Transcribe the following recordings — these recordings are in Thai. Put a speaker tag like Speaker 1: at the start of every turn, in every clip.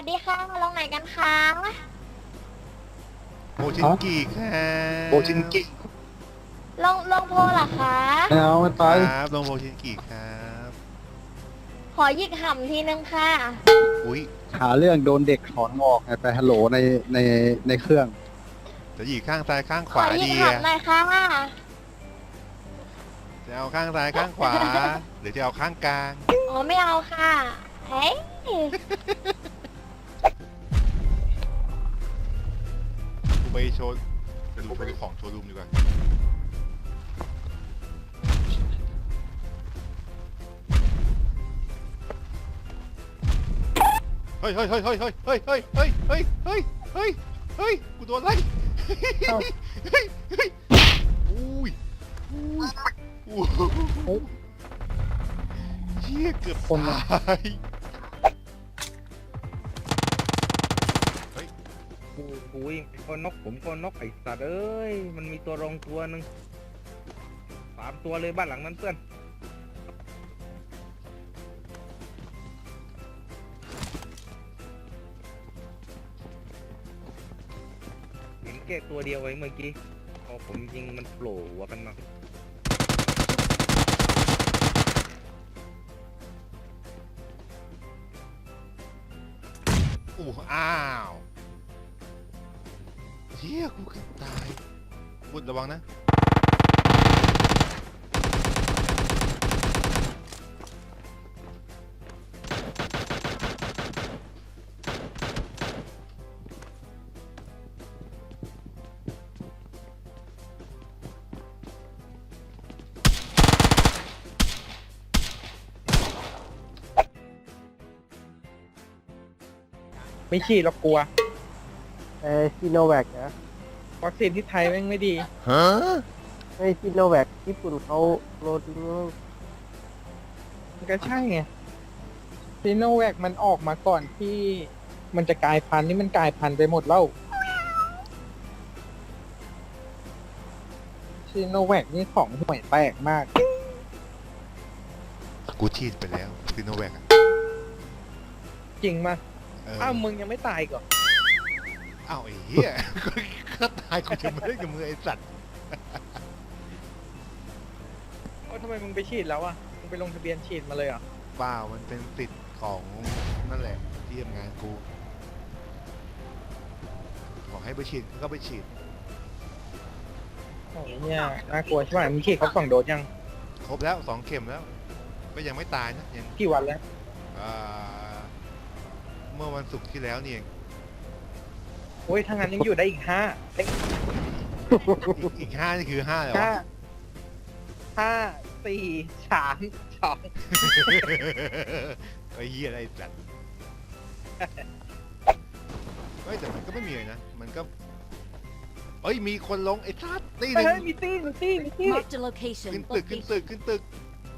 Speaker 1: วัสดีค่ะลงไหนกันคะ
Speaker 2: โมชินกิครับ
Speaker 3: โบชินกิ
Speaker 1: ลงโพลเหรอคะ
Speaker 3: ไม่เอาไม่ไป
Speaker 2: ครับลงโมชินกิครับ
Speaker 1: ขอหยิกห่ำทีนึงค่ะ
Speaker 2: อุ้ย
Speaker 3: หาเรื่องโดนเด็กถอนงอกไปฮัลโหลในเครื่อง
Speaker 2: จะหยีข้างซ้ายข้างข
Speaker 1: ขอ
Speaker 2: วา
Speaker 1: หยิก
Speaker 2: ดีอะ
Speaker 1: ห่ำหน่อยค่ะ
Speaker 2: จะเอาข้างซ้ายข้างขวา หรือจะเอาข้างกลาง
Speaker 1: อ๋อไม่เอาค่ะ เฮ้ย
Speaker 2: กูไปโชว์ไปดูของโชว์รูมดีกว่าเฮ้ยเฮ้ยเฮ้ยเฮ้ยเฮ้ยเฮ้ยเฮ้ยเฮ้ยเฮ้ยเฮ้ยเฮ้ยเฮ้ยกูโดนไล่เฮ้ยเฮ้ยเฮ้ยอุ้ยอุ้ยอุ้ยเชี่ยเกือบ
Speaker 3: คนอะ
Speaker 2: ตาย
Speaker 4: กูยิงคนนกผมคนนกไอ้สัตว์เอ้ยมันมีตัวรองตัวหนึ่ง3 ตัวเลยบ้านหลังนั้นเพื่อนเห็นแค่ตัวเดียวไว้เมื่อกี้พอผมยิงมันโผล่หัวกันมา
Speaker 2: อู้อ้าวเชี่ยกูเกือบตายบุญระวังนะ
Speaker 4: ไม่ฉีดหรอกกลัว
Speaker 5: ซีโนแวคนะ
Speaker 4: วัคซีนที่ไทยแม่งไม่ดี
Speaker 2: ฮะ
Speaker 5: ไม่ซีโนแวคญี่ปุ่นเขาโรดิง
Speaker 6: มันก็ใช่ไงซีโนแวคมันออกมาก่อนที่มันจะกลายพันธุ์นี่มันกลายพันธุ์ไปหมดแล้วซีโนแวคนี่ของห่วยแตกมาก
Speaker 2: กูฉีดไปแล้วซิโนแวค
Speaker 6: จริงมา
Speaker 2: เออ
Speaker 6: อ้าวมึงยังไม่ตายอีก่อน
Speaker 2: อ้าวไอ้เหี้ย ก็ตายกูจะไม่ได้กับมือไอ้สัตว์
Speaker 6: ทำไมมึงไปฉีดแล้วอ่ะมึงไปลงทะเบียนฉีดมาเลยเหรอ่ะ
Speaker 2: เปล่ามันเป็นสิทธิ์ของนั่นแหละที่ทำงานกูบอกให้ไปฉีดก็ไปฉีด
Speaker 6: โอ้ยเนี่ยน่ากลัวใช่ไหมมึงฉีดครบ2 โดสยัง
Speaker 2: ครบแล้ว2 เข็มแล้ว ก็ยังไม่ตายนะยัง
Speaker 6: กี่วันแล้ว
Speaker 2: อ่าเมื่อวันศุกร์ที่แล้วนี่เอง
Speaker 6: โอ้ยถ้างั้นยังอยู่ได้อีก5
Speaker 2: อีก5นี่คือ5แล้ว
Speaker 6: ห้า
Speaker 2: วะ
Speaker 6: 5 4 3 2
Speaker 2: ไอ้เหี้ยอะไรสัตว์เฮ้ยแต่มันก็ไม่มีเลยนะมันก็เอ้ยมีคนลงไอ้สัตว์ตีหนึ่ง
Speaker 6: เฮ้ยมีตี้
Speaker 7: Marked a location.
Speaker 2: ขึ้นตึกขึ้นตึกขึ้นตึก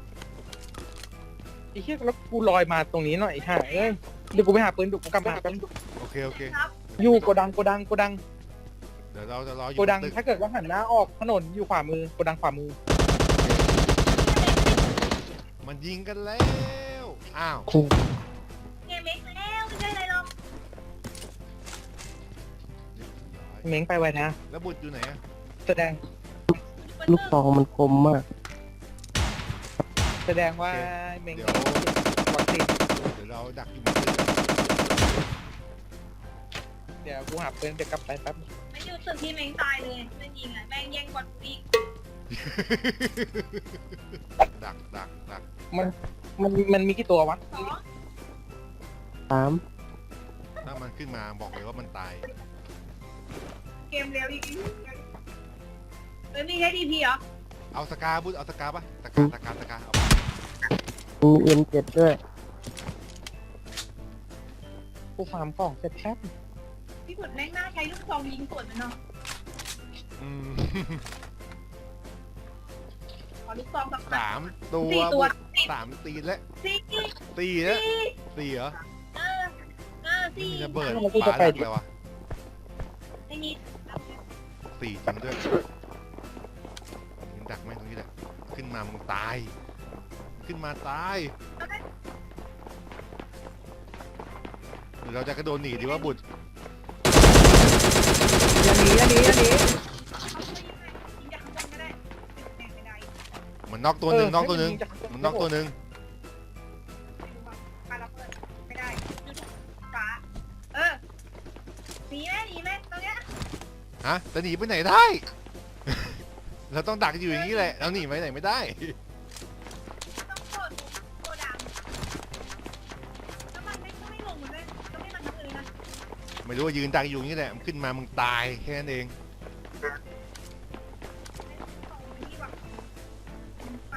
Speaker 6: ไอ้เหี้ยแล้วกูลอยมาตรงนี้หน่อยห่าเอ้ยเดี๋ยวกูไปหาปืนดุกูกลับมาแป๊บ
Speaker 2: โอเคโอเค
Speaker 6: อยู่โกดัง
Speaker 2: เดี๋ยวเราจะรออยู่
Speaker 6: โกดัง
Speaker 2: บนตึก
Speaker 6: ถ้าเกิดว่าหันหน้าออกถนนอยู่ขวามือโกดังขวามือ
Speaker 2: มันยิงกันแล้วอ้าว
Speaker 1: เกมเล็กแล้วไม่ใช่อะไรหรอก
Speaker 6: เม้งไปไว้นะ
Speaker 2: แล้วบุตรอยู่ไหนอะ
Speaker 6: แสดง
Speaker 5: ลูกซองมันคมมาก
Speaker 6: แสดงว่าเม้ง
Speaker 2: เดี๋ยว
Speaker 6: วัคซีน
Speaker 2: เดี๋ยวเราดักอยู่บนตึก
Speaker 6: เดี๋ยวกูหาปืนเดี๋ยวกลับไปแป๊บ
Speaker 1: ไม่อยู่ตึกที่แม่งตายเลยไม่ยิงอ่ะแม่งแย่งบอลกูอีก
Speaker 2: ดัก
Speaker 6: มันมีกี่ตัววะ
Speaker 1: สอง
Speaker 5: 3
Speaker 2: ถ้ามันขึ้นมาบอกเลยว่ามันตาย
Speaker 1: เกมเร็วอีกเฮ้ยมีแค่ดีพีเหรอ
Speaker 2: เอาสกาบุตรเอาสกาปะสกาเอา
Speaker 5: มี M7 ด้วย
Speaker 6: กูฟาร์มของเสร็จแป๊บ
Speaker 1: พี่ขุดแม่งน่าใช้ลูกซองยิงสวนมันเนาะ
Speaker 2: อืม
Speaker 1: ขอลูกซองสัก
Speaker 2: 3 ตัว
Speaker 1: 4 ตัว
Speaker 2: 3 ตีนแล้ว
Speaker 1: สี่
Speaker 2: ตีแล้วตีเหรอ
Speaker 1: เออ
Speaker 2: ไม่
Speaker 1: สี่
Speaker 2: มีระเบิด
Speaker 6: แล้วกู
Speaker 2: ปา
Speaker 6: จะไป
Speaker 2: ดัก
Speaker 6: ดิ
Speaker 2: เลยวะ
Speaker 1: ไม่มี
Speaker 2: 4 จริงด้วยยิงดักไหมตรงนี้แหละขึ้นมามึงตายขึ้นมาตาย มเราจะกระโดดหนีดีว่าบุตร
Speaker 6: อย่าหนีอย่าหนีอย่าหนี
Speaker 1: เขาไม่ยิงจากข้างบนก็ได้ไม่ได้
Speaker 2: มันน็อกตัวหนึ่งน็อกตัวหนึ่งมันน็อกตัวหนึ่ง
Speaker 1: ปาระเบิดไม่ได้ฟ้าหนีไหมตรงเนี้ย
Speaker 2: ฮะจะหนีไปไหนได้ เราต้องดักอยู่อย่างนี้แหละเราหนีไปไหนไม่ได้
Speaker 1: ต้องโดดโกดังแล้วมันไม่ลงมันเลยก็ไม่มันทั้งเลยนะ
Speaker 2: ไม่รู้ว่ายืนดักอยู่อย่างนี้แหละมันขึ้นมามึงตายแค่นั้นเอง
Speaker 1: นี่ว่ะไป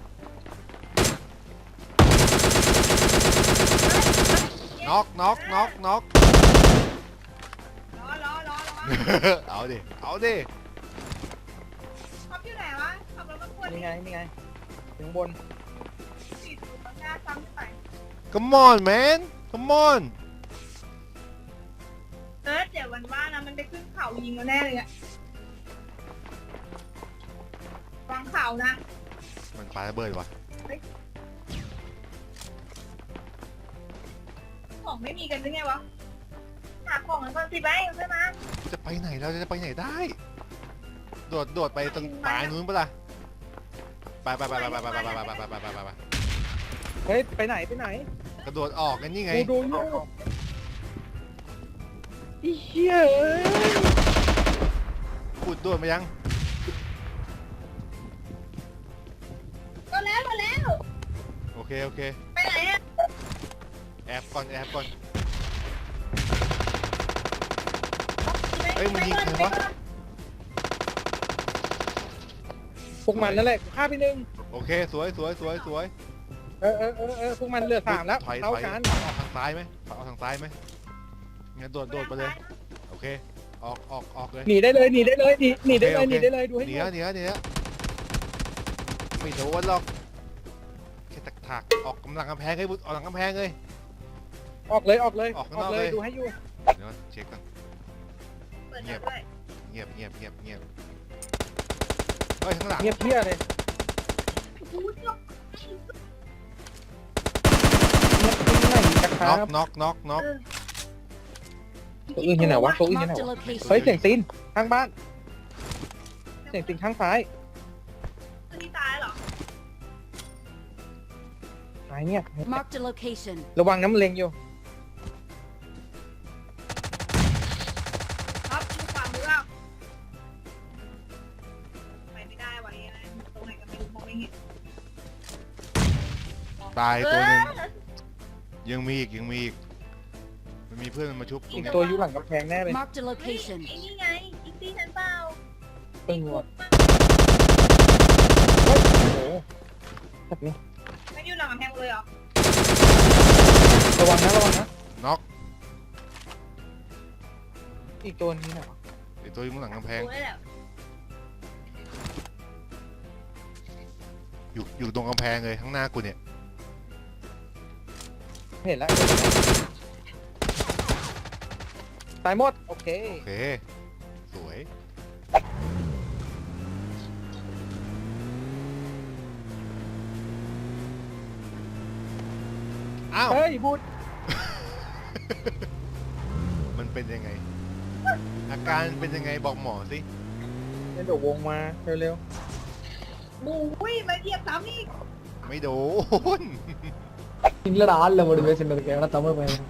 Speaker 2: น็อกน็อกน็อกน็อก
Speaker 1: ล้อ
Speaker 2: เอาดิเอาดิ
Speaker 1: ท็อปอยู่ไหนวะขับรถมาควร
Speaker 6: นี่ไงนี่ไงถึงบน
Speaker 1: สี่สูบหน้าซ้ำขึ้นไป
Speaker 2: Come on man Come on
Speaker 1: เดี๋ยววันว่านะมันไปขึ้นเขายิงเราแน่เลยอะวางเขานะ
Speaker 2: มันปาระเบิดวะ
Speaker 1: ของไม่มีกันหรือไงวะหาของกันก่อนสิไปใช่ไหม
Speaker 2: จะไปไหนเราจะไปไหนได้ โดดไปตรงปลายนู้นปะล่ะไป
Speaker 6: เฮ้ยไปไหนไปไหน
Speaker 2: กระโดดออกกันนี่ไง
Speaker 6: กูดูอยู่ไอ้เหี้ยเอ้ย
Speaker 2: ขุดโดดมายัง
Speaker 1: ก็แล้ว
Speaker 2: โอเค
Speaker 1: ไปไหนอะ
Speaker 2: แอบก่อนเฮ้ยมันยิงใครวะ
Speaker 6: พวกมันนั่นแหละฆ่าไปหนึ่ง
Speaker 2: โอเคสวย
Speaker 6: พวกมันเหลือ3แล้ว
Speaker 2: ถอย
Speaker 6: เท่ากัน
Speaker 2: ออกทางซ้ายไหมเอาทางซ้ายไหมงั้นโดดไปเลย โอเค ออกเลย
Speaker 6: หนีได้เลยหนีได้เลยหนีได้เลย
Speaker 2: โอเค
Speaker 6: หนีได้เลยดูให้
Speaker 2: หนี
Speaker 6: ดู
Speaker 2: แล้วไม่โดนหรอกแค่ถักออกกำลังกำแพงเลยบุตรออกหลังกำแพงเลย
Speaker 6: ออกเลย
Speaker 2: ออกข้างนอกเลย
Speaker 6: ดูให้อยู่
Speaker 2: เดี๋ยวเช็คก่อน
Speaker 1: เปิดด้วย
Speaker 2: เงียบเฮ้ยข้างหลัง
Speaker 6: เงียบเพี้ยเลย
Speaker 1: พูดหรอก
Speaker 6: เงียบที่ไหนจะค
Speaker 2: น็
Speaker 6: รั
Speaker 2: อบ ก
Speaker 6: ตัวอื่นที่ไหนวะตัวอื่นที่ไหน
Speaker 7: Marked a
Speaker 6: วะ
Speaker 7: location.
Speaker 6: เฮ้ยเสียงตีนข้างบ้านเสียงตีนข้างซ้าย
Speaker 1: คือที่ตายเหรอ
Speaker 6: ซ้ายเนี่ย
Speaker 7: Marked a location.
Speaker 6: ระวังน้ำเล็งอยู่
Speaker 1: ครับดูความรู้เปล่าไปไม่ได้วะเนี่ยตรงไหนก็ไม่รู้มองไม่เห็น
Speaker 2: ตายตัวหนึ่งยังมีอีกมันมีเพื่อนมันมาชุบตรง
Speaker 6: อีก
Speaker 2: เนี้ย
Speaker 6: ตัวอยู่หลังกำแพงแน่เลย
Speaker 7: Marked a location.
Speaker 1: ไอ้นี่ไงอีกที่ฉันเปล่า
Speaker 6: ปึ้งว่ะโอ้โหแบบนี้
Speaker 1: ไม่อยู่หลังกำแพงเลยเหรอ
Speaker 6: ระวังนะ
Speaker 2: น็อก
Speaker 6: อีกตัวนี้นะ
Speaker 2: ไอตัวอยู่ข้างหลังกำแพง
Speaker 1: รู้ได้แหละ
Speaker 2: อยู่ตรงกำแพงเลยข้างหน้ากูเนี่ย
Speaker 6: เห็นแล้วตายหมดโอเค
Speaker 2: โอเคสวยอ้าว
Speaker 6: เฮ้ยพูด
Speaker 2: มันเป็นยังไง อาการเป็นยังไงบอกหมอสิ
Speaker 6: เดี๋ยววงมาเร็ว
Speaker 1: บูยมาเหยียบซ้ำอีก
Speaker 2: ไม่โดน
Speaker 5: இல்லடா ஆள்ல மட்டும் பேசிட்டு இருக்கேன் ஏன்னா தமிழ் பையன்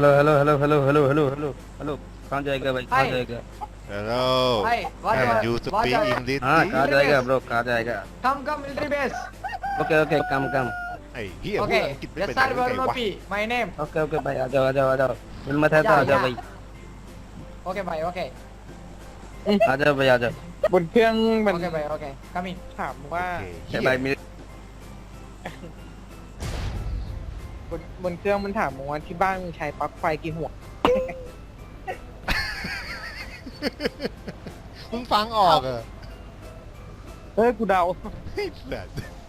Speaker 8: हेलो कहाँ जाएगा भाई कहाँ
Speaker 5: Hi.
Speaker 8: जाएगा
Speaker 2: Hello
Speaker 5: Hi, what
Speaker 2: Can
Speaker 5: you-
Speaker 2: you
Speaker 5: what
Speaker 2: speak
Speaker 5: you-
Speaker 2: English
Speaker 8: हाँ
Speaker 2: please?
Speaker 8: कहाँ जाएगा ब्रो कहाँ जाएगा
Speaker 5: come military base
Speaker 8: okay okay come come
Speaker 2: ไอ้เฮียพูด
Speaker 5: okay
Speaker 2: อังกฤษไม่
Speaker 5: yes
Speaker 2: เป็น
Speaker 5: sir
Speaker 2: ได้ไงวะ
Speaker 5: Varnopi my name
Speaker 8: ओके भाई आ जाओ हिम्मत है तो आ जाओ भाई
Speaker 5: okay bye okay
Speaker 8: आ जाओ भाई आ जाओ
Speaker 6: บนเครื่องมัน
Speaker 5: okay bye okay coming
Speaker 6: ถามว่า
Speaker 2: โอเคเหี้
Speaker 8: क्या
Speaker 2: ย
Speaker 8: भाई मेरे
Speaker 6: บนเครื่องมันถามว่าที่บ้านมึงใช้ปลั๊กไฟกี่หัว
Speaker 2: มึงฟังออกเหรอ
Speaker 6: เฮ้ยกูเดา
Speaker 2: ไอ้สัส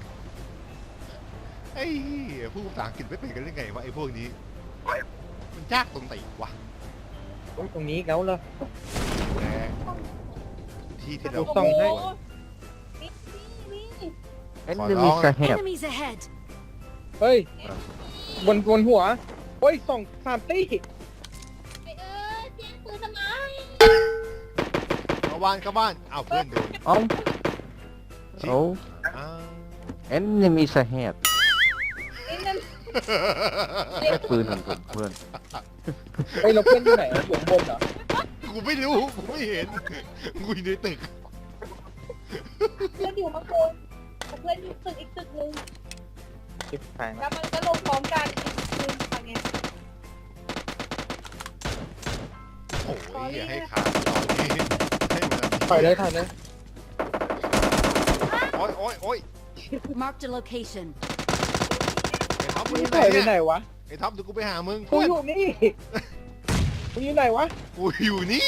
Speaker 2: ไอ้เหี้ยพูดภาษาอังกฤษไม่เป็นกันได้ไงวะไอ้พวกนี้ มันยากตรงไหนวะ
Speaker 6: ตรงนี้เขาเลย
Speaker 2: แหมที่ที่เรา
Speaker 6: ส่องให้
Speaker 1: นี่
Speaker 2: ขอร้องนะ
Speaker 7: Enemies ahead.
Speaker 6: เฮ้ยบนหัวเฮ้ย2-3 ตี้
Speaker 2: เข้าบ้านอ้าวเพื่อนโดน
Speaker 5: เอ้าโอ้
Speaker 2: อ้าว
Speaker 5: enemies ahead
Speaker 1: นี่นั่น
Speaker 5: ได้ปืนของผมเพื่อน
Speaker 6: เฮ้ยเราเพื่อนอยู่ไหนอะอยู่ข้างบนเหรอ
Speaker 2: กูไม่รู้กูไม่เห็นกูอยู่ในตึก
Speaker 1: เพื่อนอยู่มาโกนเพื่อนอยู่ตึกอีกตึกนึง
Speaker 6: ชิบหาย
Speaker 1: แล้
Speaker 6: แล้ว
Speaker 1: วมันก็ลงพร้อมกันอีกตึกทางเนี้ย
Speaker 2: โอ้ยอย่าให้ขาดตอนนี้ให้มัน
Speaker 6: ถอยเลยถอยเลย
Speaker 2: โอ้ยโอ้ยโอ้ย
Speaker 7: Marked a location.
Speaker 2: ไอ้ท็อปมึง
Speaker 6: มึ
Speaker 2: อง ยู่ไหน
Speaker 6: ถอยไป
Speaker 2: เนี่ย
Speaker 6: ไหนวะ
Speaker 2: ไอ้ท็อปเดี๋ยวกูไปหามึง
Speaker 6: กู
Speaker 2: เพื่อน
Speaker 6: อยู่นี่มึงอยู่ไหนวะ
Speaker 2: กูอยู่นี่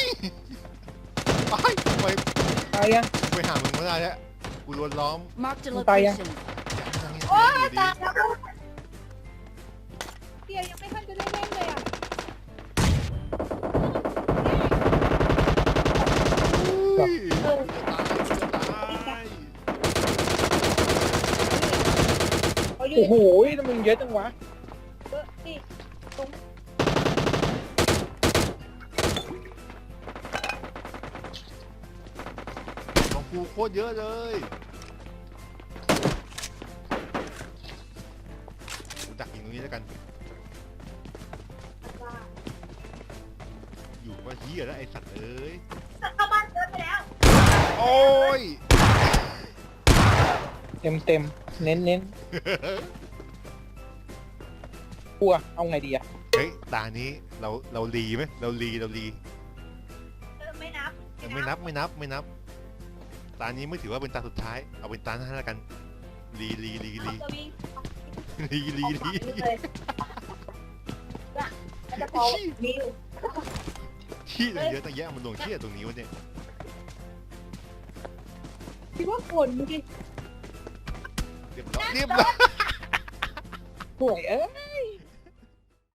Speaker 2: ไป
Speaker 6: ตายยัง
Speaker 2: ไปหามึงไม่ได้แล้วกูโดนล้อม
Speaker 7: Marked a
Speaker 6: Không tay à?
Speaker 7: location.
Speaker 1: โอ้ยตายแล้วเดี๋ยวยังไม่ทันจะได้เล่นเลยอ่ะ
Speaker 2: อุ้ยจะตายจะตาย
Speaker 1: เขาอยู่
Speaker 6: โอ้โหทำไมมึงเยอะจังวะ
Speaker 1: เยอะนี่ตรง
Speaker 2: ของกูโคตรเยอะเลยกูดักยิงตรงนี้แล้วกัน อยู่ว่าเฮียแล้วไอ้สัตว์เอ้ย
Speaker 1: เข้าบ้านเยอะไปแล้ว
Speaker 2: โอ้ย
Speaker 6: เต็มเต็มเน้นเน้นกลัวเอาไงดีอะ
Speaker 2: เฮ้ยตานี้เราลีไหมเราลี
Speaker 1: ไม่นับ
Speaker 2: ไม่นับตานี้ไม่ถือว่าเป็นตาสุดท้ายเอาเป็นตาหน้าแล้วกันลี
Speaker 1: ตัววิ่ง
Speaker 2: ลี
Speaker 1: เลยน่ะแล้วจะพอมิว
Speaker 2: ขี้ตั้งเยอะตั้งแยะมันลงขี้ตรงนี้วะเนี่ย
Speaker 1: คิดว่าคนเมื่อกี้
Speaker 2: เรียบร้อย
Speaker 6: ห่วยเอ้ย